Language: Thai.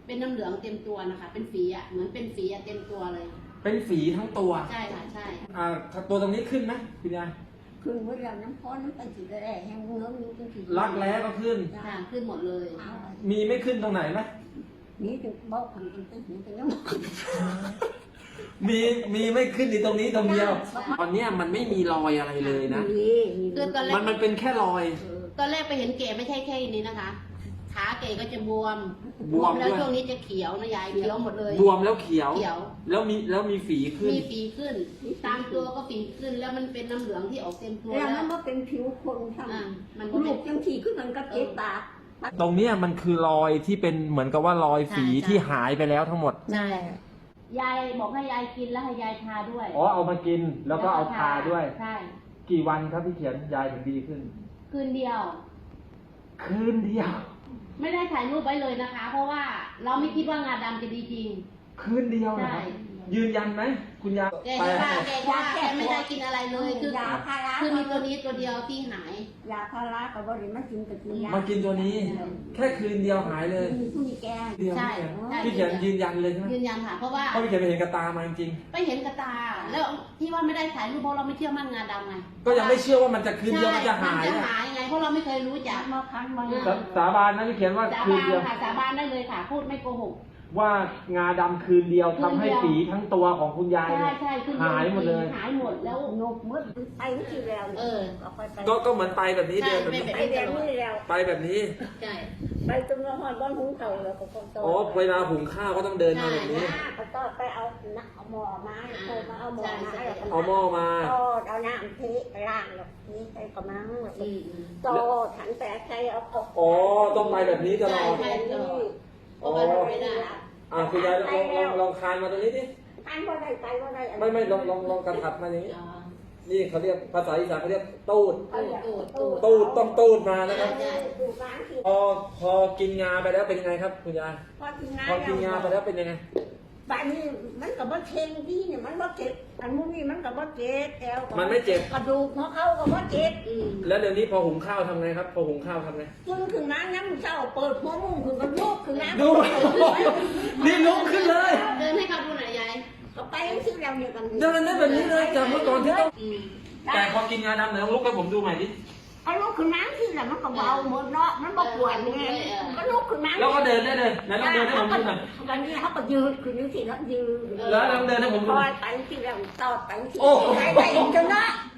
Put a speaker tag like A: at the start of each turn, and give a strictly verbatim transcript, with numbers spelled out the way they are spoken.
A: เป็นน้ำเหลืองเต็มตัวนะคะเป็นฝีอ่ะเหมือนเป็นฝีอ่ะเต็มตัวเลย
B: เป็นฝีทั้งตัว
A: ใช่ค่ะใช่
B: อ่าตัวตรงนี้ขึ้นไหมคุณยาย
C: ขึ้นเมื่อเราน้ำพ้นน้ำตาลสีแดงแห้งเนื้อมีเป็นสี
B: รักแร้ก็ขึ้น
A: ค่ะขึ้นหมดเลย
B: มีไม่ขึ้นตรงไหนไหม
C: นี่ถึงบอกถึงเป็นถึงเป็นน้ำ
B: มีมีไม่ขึ้นในตรงนี้ตรงเดียวตอนเนี้ยมันไม่มีรอยอะไรเลยนะ
A: คือตอนแรก
B: มันมันเป็นแค่รอย
A: ตอนแรกไปเห็นเก๋ไม่ใช่แค่นี้นะคะขาเก๋ก็จะบวม
B: บวม
A: แล้วช่วงนี้จะเขียวนะยายเขียวหมดเลย
B: บวมแล้วเขียว
A: เขียว
B: แล้วมีแล้วมีฝีขึ้น
A: มีฝีขึ้นตามตัวก็ฝีขึ้นแล้วมันเป็นน้ำเหลืองที่ออกเต็มตัว
C: แล้วมันก็เป็นผิวคนทำมันลูกยังขี่ขึ้นมันก็เจ็บปาก
B: ตรงเนี้ยมันคือรอยที่เป็นเหมือนกับว่ารอยฝีที่หายไปแล้วทั้งหมด
A: ใช่ยายบอกให้ยายกินแล้วให้ยายทาด้วย
B: อ๋อเอามากินแล้วก็เอาทาด้วย
A: ใช่
B: กี่วันครับพี่เขียนยายถึงดีขึ้น
A: คืนเดียว
B: คืนเดียว
A: ไม่ได้ถ่ายรูปไว้เลยนะคะเพราะว่าเราไม่คิดว่างาดำจะดีจริง
B: คืนเดียวนะยืนยันไหมคุณยาย
A: แกว่าแกว่าแกไม่ได้กินอะไรเลยคือยาพาราคือมีตัวนี้ตัวเดียวที่หาย
C: ยาพารากับบริมากินกับกินยา
B: มากินตัวนี้แค่คืนเดียวหายเลย
C: มีแก
A: ใช่
B: พี่เขียนยืนยันเลยใช่ไหม
A: ยืนยันค่ะเพราะว่า
B: เพราะพี่เขียนไปเห็นกระตามาจริง
A: ไปเห็นกระตาแล้วที่ว่าไม่ได้ถ่ายรูปเพราะเราไม่เชื่อมั่นงาดำไง
B: ก็ยังไม่เชื่อว่ามันจะคืนเดียวมันจะหาย
A: จะหายไงเพราะเราไม่เคยรู้จัก
C: มาคันมา
B: สาบานนะพี่เขียนว่า
A: คืนเดียวค่ะสาบานได้เลยค่ะพูดไม่โกหก
B: ว่างาดำคืนเดียวทำให้ฝีทั้งตัวของคุณยายหายหมดเลย
A: หายหมดแล้ว
C: นกมืดไปที่แล้ว
A: เออ
B: ก็ก็เหมือนไปแบบนี้เดินแบบนี้
C: ไปแบบนี้แล้ว
B: ไปแบบนี้
A: ใช่
C: ไปตรงหอดบ้านหุงข้าวแล้วก็ต้อง
B: โอ้เวลาหุงข้าวก็ต้องเดินมาแบบนี้
C: ก็ต้องไปเอาเอาหม้อมาโทรมาเอาหม้อมา
B: เอาหม้อมา
C: เอาน้ำเทล้างแบบนี้ใส่กระมังโตถันแต่ใครเอา
B: อ๋อต้องไปแบบนี้ตลอดอ๋ออ่าคุณยายลองลองลองคานมาตรงนี้ดิ
C: คานว่าได้ไปว่าได้
B: ไม่ไม่ลองลองลองกระถับมาอย่างนี้นี่เขาเรียกภาษาอีสานเขาเรียกตูดตูดต้องตูดมานะครับพอพอกินงาไปแล้วเป็นยังไงครับคุณยาย
C: พอกินงา
B: พอกินงาไปแล้วเป็นยังไง
C: บ้านนี้มันกับว่าเชงดีเนี่ยมันว่าเจ็บอันมุ้งนี่มันกับว่าเจ็บแอว
B: มันไม่เจ็บ
C: กระดูกหัวเข่ากับว่าเจ็บ
B: แล้วเดี๋ยวนี้พอหุงข้าวทำไงครับพอหุงข้าวทำไง
C: ขึ้นขึ้นน้ำน้ำเช้าเปิดหัวมุ้งขึ้นกันลุกขึ้นน้ำ
B: ดูนี่ลุกขึ้นเลย
A: เดินให้เขาดูหน่อยยาย
C: ก็ไปที่เราเนี่ยกัน
B: เดินได้แบบนี้เลยจากเมื่อก่อนที่ต้องแต่พอกินงาดำเดี๋ยวลุกให้ผมดูใหม่ดิ
C: เอาลุกขึ้นน้ำที่แหละมันก็เบาหมดเนาะมันบ่ปวดไงก็ลุกขึ้นน้ำ
B: แล้วก็เดินได้เลยแล้วเดินให้ผมดูหน่อย
C: วันนี้เขาก็ยืนขึ้นนี่สิแล้วยืน
B: แล้วเดินให้ผมดู
C: คอยไปที่เราต่อไปที่ไหนไปจนเนาะ